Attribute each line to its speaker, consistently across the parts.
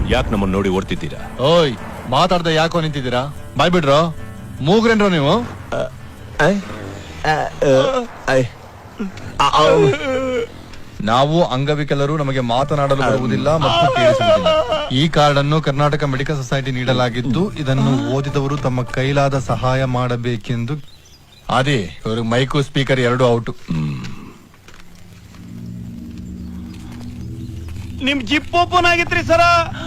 Speaker 1: ಯಾಕೆ ನಮ್ಮನ್ನ ನೋಡಿ ಓಡ್ತಿದ್ದೀರಾ?
Speaker 2: ಓಯ್, ಮಾತಾಡ್ದೆ ಯಾಕೋ ನಿಂತಿದ್ದೀರಾ? ಬಾಯ್ ಬಿಡ್ರೋ, ಮೂಗ್ರೇನ್ರೋ ನೀವು? ನಾವು ಅಂಗವಿಕಲರು, ನಮಗೆ ಮಾತನಾಡಲು ಬರುವುದಿಲ್ಲ ಮತ್ತು ಕೇಳಿಸುವುದಿಲ್ಲ. ಈ ಕಾರ್ಡ್ ಅನ್ನು ಕರ್ನಾಟಕ ಮೆಡಿಕಲ್ ಸೊಸೈಟಿ ನೀಡಲಾಗಿದ್ದು, ಇದನ್ನು ಓದಿದವರು ತಮ್ಮ ಕೈಲಾದ ಸಹಾಯ ಮಾಡಬೇಕೆಂದು. ಅದೇ ಇವರು ಮೈಕು ಸ್ಪೀಕರ್ ಎರಡು ಔಟ್.
Speaker 3: ನಿಮ್ ಜಿಪ್ ಓಪನ್ ಆಗಿತ್ರಿ ಸರ.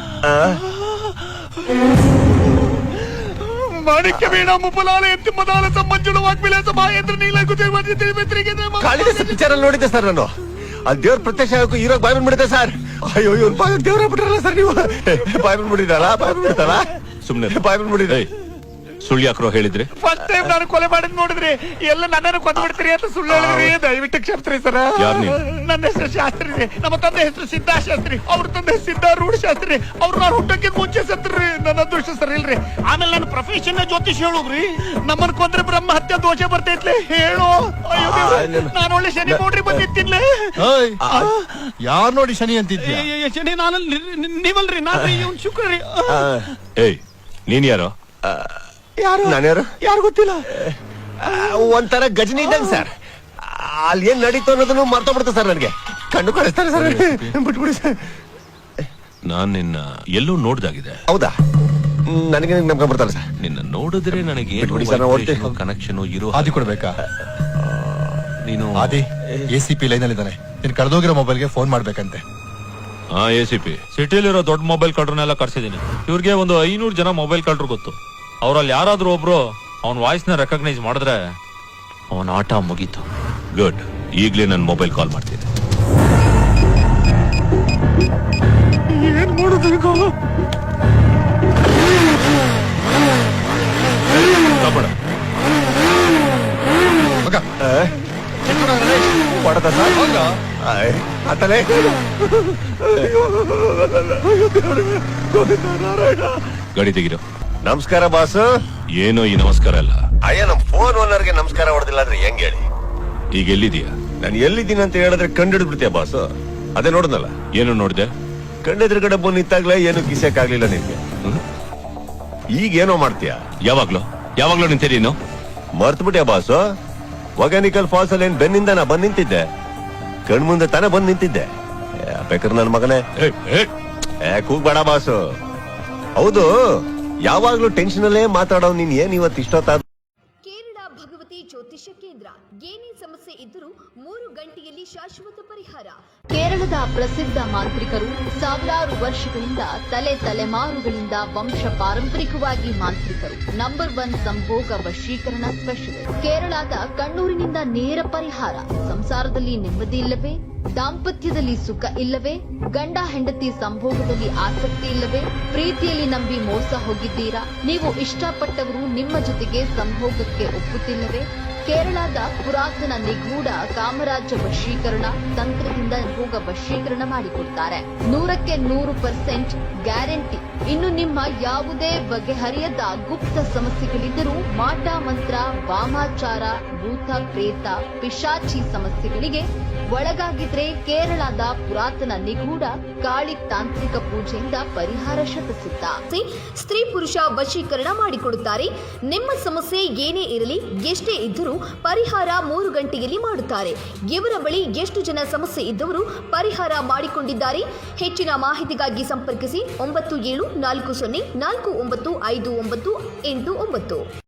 Speaker 3: ಮಾಣಿಕ್ಯ ವೀಣ ಮುಪಲಾಲ ಎತ್ತಿ ಮದಾಲ ಸಂಬಂಜುಳು ವಾಗ್ವಿಲಾಸ ಮಹೇಂದ್ರ ನೀಲಕು
Speaker 4: ನೋಡಿದ್ದೆ ಸರ್ ನಾನು. ಅಲ್ಲಿ ದೇವ್ರ ಪ್ರತ್ಯಕ್ಷ ಹೀರೋ ಬಾಯ್ ಬಂದ್ಬಿಡುತ್ತೆ ಸರ್. ಅಯ್ಯೋ ಇವ್ರು ಬಾಯ್ ದೇವ್ರ ಬಿಟ್ರಲ್ಲ ಸರ್ ನೀವು. ಬಾಯ್ ಬಂದ್ಬಿಟ್ಟಿದ್ದಾರ, ಬಾಯ್ ಬಂದ್ಬಿಡ್ತಾರ.
Speaker 1: ಸುಮ್ನೆ
Speaker 4: ಬಾಯ್ ಬಂದ್ಬಿಟ್ಟಿದೆ.
Speaker 1: ಸುಳ್ಳು ಯಾಕ್ರೋ ಹೇಳಿದ್ರಿ?
Speaker 3: ಫಸ್ಟ್ ಟೈಮ್ ನಾನು ಕೊಲೆ ಮಾಡಿದ್ ನೋಡಿದ್ರಿ, ಎಲ್ಲ ನನ್ನನ್ನು ಕೊಂದ್ಬಿಡ್ತೀರಿ ಅಂತ ಸುಳ್ಳು ಹೇಳಿದ್ರಿ. ದಯವಿಟ್ಟು ಕ್ಷಮಿಸ್ರಿ ಸರ. ನನ್ನ ಹೆಸರು ಶಾಸ್ತ್ರಿ ರೀ. ನಮ್ಮ ತಂದೆ ಹೆಸರು ಸಿದ್ಧಾಶಾಸ್ತ್ರಿ, ಅವ್ರ ತಂದೆ ಸಿದ್ಧಾರೂಢ ಶಾಸ್ತ್ರಿ. ಅವ್ರು ನಾನು ಹುಟ್ಟಕ್ಕೆ ಮುಂಚೆ ಸತ್ರಿ. ನನ್ನ ಅದೃಷ್ಟ ಸರಿ ಇಲ್ರಿ. ಆಮೇಲೆ ನನ್ನ ಪ್ರೊಫೆಷನ್ ಜ್ಯೋತಿಷ್ ಹೇಳುಗ್ರಿ. ನಮ್ಮನ್ ಕೊಂದ್ರೆ ಬ್ರಹ್ಮ ಹತ್ಯೆ ದೋಷ ಬರ್ತೈತ್ಲೆ ಹೇಳು. ಅಯ್ಯೋ ನಾನು ಒಳ್ಳೆ ಶನಿ ನೋಡ್ರಿ ಬಂದಿತ್ತಿನ್ಲೆ.
Speaker 2: ಯಾರ್ ನೋಡಿ ಶನಿ ಅಂತಿದ್ಯಾ?
Speaker 3: ಶನಿ ನಾನು ನೀವಲ್ರಿ, ನಾನು ಇವ್ನು ಶುಕ್ರ ರೀ.
Speaker 1: ಏಯ್, ನೀನ್ ಯಾರೋ?
Speaker 4: ಯಾರು? ನಾನ್ಯಾರು?
Speaker 3: ಯಾರು ಗೊತ್ತಿಲ್ಲ.
Speaker 4: ಒಂಥರ ಗಜನಿ ಇದ್ದಂಗ ಸರ್. ಅಲ್ಲಿ ಏನ್ ನಡೀತು ಅನ್ನೋದನ್ನು ಮರ್ತೋಗ್ಬಿಡುತ್ತೆ ಸರ್. ನನಗೆ ಕಣ್ಣು ಕಳಿಸ್ತಾರೆ ಸರ್. ಬಿಟ್ಬಿಡಿ ಸರ್.
Speaker 1: ನಾನ್ ನಿನ್ನ ಎಲ್ಲೋ ನೋಡ್ದಾಗಿದೆ.
Speaker 4: ಹೌದಾ? ನನಗೆ ನಮ್ಗೆ ಬರ್ತಾರೆ ಸರ್.
Speaker 1: ನಿನ್ನ ನೋಡಿದ್ರೆ ನನಗೆ ಕನೆಕ್ಷನ್ ಇರೋ
Speaker 2: ಆದಿ ಕೊಡ್ಬೇಕಾ?
Speaker 1: ನೀನು
Speaker 2: ಆದಿ ACP ಲೈನ್ ಅಲ್ಲಿ ಇದ್ದಾನೆ. ನೀನ್ ಕಳೆದೋಗಿರೋ ಮೊಬೈಲ್ಗೆ ಫೋನ್ ಮಾಡ್ಬೇಕಂತೆ.
Speaker 1: ACP
Speaker 5: ಸಿಟಿಲಿರೋ ದೊಡ್ಡ ಮೊಬೈಲ್ ಕಳ್ರನ್ನೆಲ್ಲ ಕರ್ಸಿದೀನಿ. ಇವ್ರಿಗೆ ಒಂದು 500 ಜನ ಮೊಬೈಲ್ ಕಳ್ರು ಗೊತ್ತು. ಅವ್ರಲ್ಲಿ ಯಾರಾದ್ರೂ ಒಬ್ರು ಅವನ್ ವಾಯ್ಸ್ ನ ರೆಕಗ್ನೈಸ್ ಮಾಡಿದ್ರೆ ಅವನ ಆಟ ಮುಗೀತು.
Speaker 1: ಗುಡ್. ಈಗ್ಲೇ ನನ್ನ ಮೊಬೈಲ್ ಕಾಲ್ ಮಾಡ್ತೀನಿ.
Speaker 3: ಏನ್ ಮಾಡೋದು?
Speaker 4: ಪಡದ ಸರ್ ಆತಲೇ.
Speaker 1: ಗಾಡಿ ತೆಗಿರೋ.
Speaker 4: ನಮಸ್ಕಾರ ಬಾಸ್.
Speaker 1: ಏನೋ ಈ ನಮಸ್ಕಾರ ಅಲ್ಲ.
Speaker 4: ಅಯ್ಯ, ನಮ್ ಫೋನ್ ಓನರ್ಗೆ ನಮಸ್ಕಾರ ಹೊಡೆದಿಲ್ಲ ಅಂದ್ರೆ ಹೆಂಗ್ ಹೇಳಿ?
Speaker 1: ಈಗ ಎಲ್ಲಿದೀಯಾ?
Speaker 4: ನಾನು ಎಲ್ಲಿದ್ದೀನಿ ಅಂತ ಹೇಳಿದ್ರೆ ಕಂಡು ಬಿಡ್ತೀಯ ಬಾಸ್. ಅದೇ ನೋಡಿದ್ನಲ್ಲ.
Speaker 1: ಏನು ನೋಡ್ದೆ?
Speaker 4: ಕಂಡೆದ್ರುಗಡೆ ಬಂದು ನಿಂತಾಗ್ಲೇ ಏನು ಕಿಸಕ್ ಆಗ್ಲಿಲ್ಲ ನಿನ್ಗೆ. ಈಗ ಏನೋ ಮಾಡ್ತೀಯ?
Speaker 1: ಯಾವಾಗ್ಲೂ ನಿಂತಿದ್ದೀನೋ?
Speaker 4: ಮರ್ತ್ ಬಿಟ್ಯಾ ಬಾಸ್? ಒಗಾನಿಕಲ್ ಫಾಲ್ಸ್ ಅಲ್ಲಿ ಏನ್ ಬೆನ್ನಿಂದ ನಾ ಬಂದ್ ನಿಂತಿದ್ದೆ? ಕಣ್ ಮುಂದೆ ತಾನೇ ಬಂದ್ ನಿಂತಿದ್ದೆ. ಬೇಕಾದ್ರೆ ನನ್ ಮಗನೇ ಕೂಗ್ಬೇಡ ಬಾಸು. ಹೌದು, ಯಾವಾಗ್ಲೂ ಟೆನ್ಷನ್ ಅಲ್ಲೇ ಮಾತಾಡೋ ನೀನ್ ಏನ್ ಇವತ್ತು ಇಷ್ಟೊತ್ತಾದ?
Speaker 6: ಕೇರಳ ಭಗವತಿ ಜ್ಯೋತಿಷ್ಯ ಕೇಂದ್ರ. ಏನೇ ಸಮಸ್ಯೆ ಇದ್ದರೂ 3 ಗಂಟೆಯಲ್ಲಿ ಶಾಶ್ವತ ಪರಿಹಾರ. ಕೇರಳದ ಪ್ರಸಿದ್ಧ ಮಾಂತ್ರಿಕರು ಸಾವಿರಾರು ವರ್ಷಗಳಿಂದ ತಲೆಮಾರುಗಳಿಂದ ವಂಶ ಪಾರಂಪರಿಕವಾಗಿ ಮಾಂತ್ರಿಕರು. ನಂಬರ್ 1 ಸಂಭೋಗ ವಶೀಕರಣ ಸ್ಪೆಷಲಿಸ್ಟ್. ಕೇರಳದ ಕಣ್ಣೂರಿನಿಂದ ನೇರ ಪರಿಹಾರ. ಸಂಸಾರದಲ್ಲಿ ನೆಮ್ಮದಿ ಇಲ್ಲವೇ? ದಾಂಪತ್ಯದಲ್ಲಿ ಸುಖ ಇಲ್ಲವೇ? ಗಂಡ ಹೆಂಡತಿ ಸಂಭೋಗದಲ್ಲಿ ಆಸಕ್ತಿ ಇಲ್ಲವೇ? ಪ್ರೀತಿಯಲ್ಲಿ ನಂಬಿ ಮೋಸ ಹೋಗಿದ್ದೀರಾ? ನೀವು ಇಷ್ಟಪಟ್ಟವರು ನಿಮ್ಮ ಜೊತೆಗೆ ಸಂಭೋಗಕ್ಕೆ ಒಪ್ಪುತ್ತಿಲ್ಲವೇ? ಕೇರಳದ ಪುರಾತನ ನಿಗೂಢ ಕಾಮರಾಜ ವಶೀಕರಣ ತಂತ್ರದಿಂದ ಭೋಗ ವಶೀಕರಣ ಮಾಡಿಕೊಡ್ತಾರೆ. 100ಕ್ಕೆ 100% ಗ್ಯಾರಂಟಿ. ಇನ್ನು ನಿಮ್ಮ ಯಾವುದೇ ಬಗೆಹರಿಯದ ಗುಪ್ತ ಸಮಸ್ಯೆಗಳಿದ್ದರೂ, ಮಾಟ ಮಂತ್ರ, ವಾಮಾಚಾರ, ಭೂತ ಪ್ರೇತ, ಪಿಶಾಚಿ ಸಮಸ್ಯೆಗಳಿಗೆ ಒಳಗಾಗಿದ್ರೆ ಕೇರಳದ ಪುರಾತನ ನಿಗೂಢ ಕಾಳಿ ತಾಂತ್ರಿಕ ಪೂಜೆಯಿಂದ ಪರಿಹಾರ ಶತಸಿದ್ಧ. ಸ್ತ್ರೀ ಪುರುಷ ವಶೀಕರಣ ಮಾಡಿಕೊಡುತ್ತಾರೆ. ನಿಮ್ಮ ಸಮಸ್ಯೆ ಏನೇ ಇರಲಿ, ಎಷ್ಟೇ ಇದ್ದರೂ ಪರಿಹಾರ 3 ಗಂಟೆಯಲ್ಲಿ ಮಾಡುತ್ತಾರೆ. ಇವರ ಬಳಿ ಎಷ್ಟು ಜನ ಸಮಸ್ಯೆ ಇದ್ದವರು ಪರಿಹಾರ ಮಾಡಿಕೊಂಡಿದ್ದಾರೆ? ಹೆಚ್ಚಿನ ಮಾಹಿತಿಗಾಗಿ ಸಂಪರ್ಕಿಸಿ 9740495989.